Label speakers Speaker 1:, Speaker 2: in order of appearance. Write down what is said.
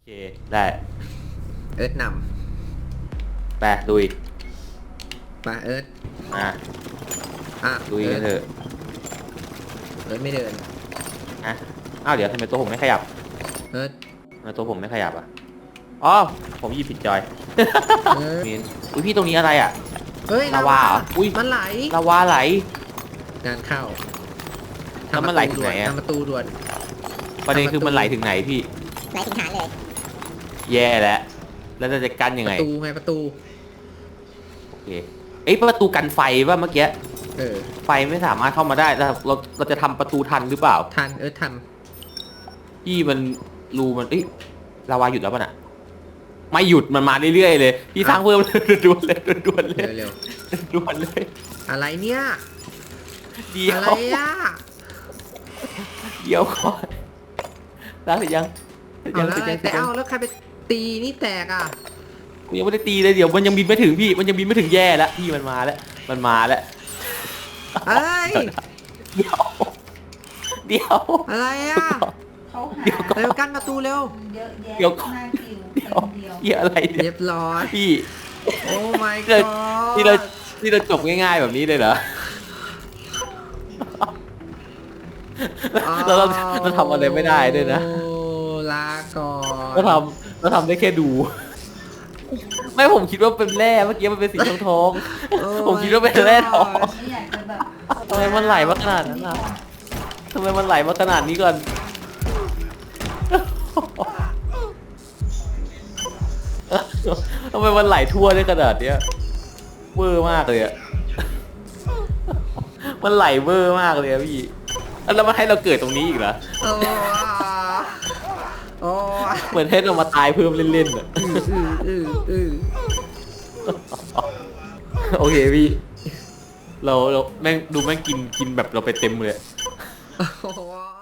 Speaker 1: เคได้
Speaker 2: เอิร์ธน
Speaker 1: ไปลุย
Speaker 2: ำมาเอิร์ธ
Speaker 1: อ่ะลุยกันเถอะ
Speaker 2: เอิร์ธไม่เดิน
Speaker 1: นะอ้าวเดี๋ยวทำไมตัวผมไม่ขยับ
Speaker 2: เอิร์ธ
Speaker 1: ทำไมตัวผมไม่ขยับอ่ะอ๋อผมหยิบผิดจอยมีนอุ้ยพี่ตรงนี้อะไรอ่ะ
Speaker 2: เฮ้ย
Speaker 1: ลาวาเหรออุ้ย
Speaker 2: มันไหล
Speaker 1: ลาวาไหล
Speaker 2: งานเข้า
Speaker 1: แล้วมันไหลถึงไหนอะ
Speaker 2: ทำประตูด่วน
Speaker 1: ประเด็นคือมันไหลถึงไหนพี่
Speaker 3: ไหลถึงฐานเลย
Speaker 1: แย่แล้วเราจะกั้นยังไง
Speaker 2: ประตูไงประตู
Speaker 1: โอเคเอ้ยประตูกันไฟป่ะเมื่อกี้
Speaker 2: อ
Speaker 1: ไฟไม่สามารถเข้ามาได้เราจะทำประตูทันหรือเปล่า
Speaker 2: ทันเอิร์ธท
Speaker 1: พี่มันรูมันเอ้ยลาวาหยุดแล้วป่ะน่ะไม่หยุดมันมาเรื่อยๆเลยพี่สร้างเพิ่มด่วนเลยด่วนเลย
Speaker 2: เร็ว
Speaker 1: ด่วนเลย
Speaker 2: ๆอะไรเนี่ย
Speaker 1: เดี๋ยว
Speaker 2: อะไรอ่ะ
Speaker 1: เดี๋ยวก่อนแล้วหรือยัง
Speaker 2: เอาแล้วอะไรแต่เอาแล้วใครไปตีนี่แตกอ่ะ
Speaker 1: กูยังไม่ได้ตีเลยเดี๋ยวมันยังบินไม่ถึงพี่มันยังบินไม่ถึงแย่แล้วพี่มันมาแล้วมันมาแล้ว
Speaker 2: เอ้ย
Speaker 1: เดี๋ยว
Speaker 2: อะไรอ่ะ
Speaker 3: เขาหา
Speaker 1: เดี๋ยวก่อน
Speaker 2: เร็วกั้นประตูเร็ว
Speaker 3: เยอะแยะ
Speaker 1: เดี๋ยวก่อน
Speaker 3: หน้าคิว
Speaker 1: เดี๋ยว
Speaker 3: คนเดียว
Speaker 1: เหี้ยอะไรเนี่
Speaker 2: เรี
Speaker 1: ย
Speaker 2: ยบร้อย
Speaker 1: พี่
Speaker 2: โอ้ my
Speaker 1: เรา
Speaker 2: god
Speaker 1: ที่เราจบง่ายๆแบบนี้เลยเหรอเราทำอะไรไม่ได้ด้วยนะ
Speaker 2: โอ้ลาก่อน
Speaker 1: เราทำได้แค่ดู ไม่ผมคิดว่าเป็นแร่เมื่อกี้มันเป็นสีทอง
Speaker 2: โอ้
Speaker 1: ผมคิดว่าเป็นแร่ทอง
Speaker 3: ไม่อยากจะแบบ
Speaker 1: ทำไมมันไหลมาขนาดนั้นอ่ะทำไมมันไหลมาขนาดนี้ก่อนทำไมมันไหลทั่วได้ขนาดเนี้ยเวอร์มากเลยอะมันไหลเวอร์มากเลยอะพี่แล้วมันให้เราเกิดตรงนี้อีกเหรอ
Speaker 2: โอ้โอ้
Speaker 1: เหมือนให้เรามาตายเพิ่มเล่นๆอะ
Speaker 2: อือ
Speaker 1: โอเคพี่เราแม่งดูแม่งกินแบบเราไปเต็มเลย
Speaker 2: โอ้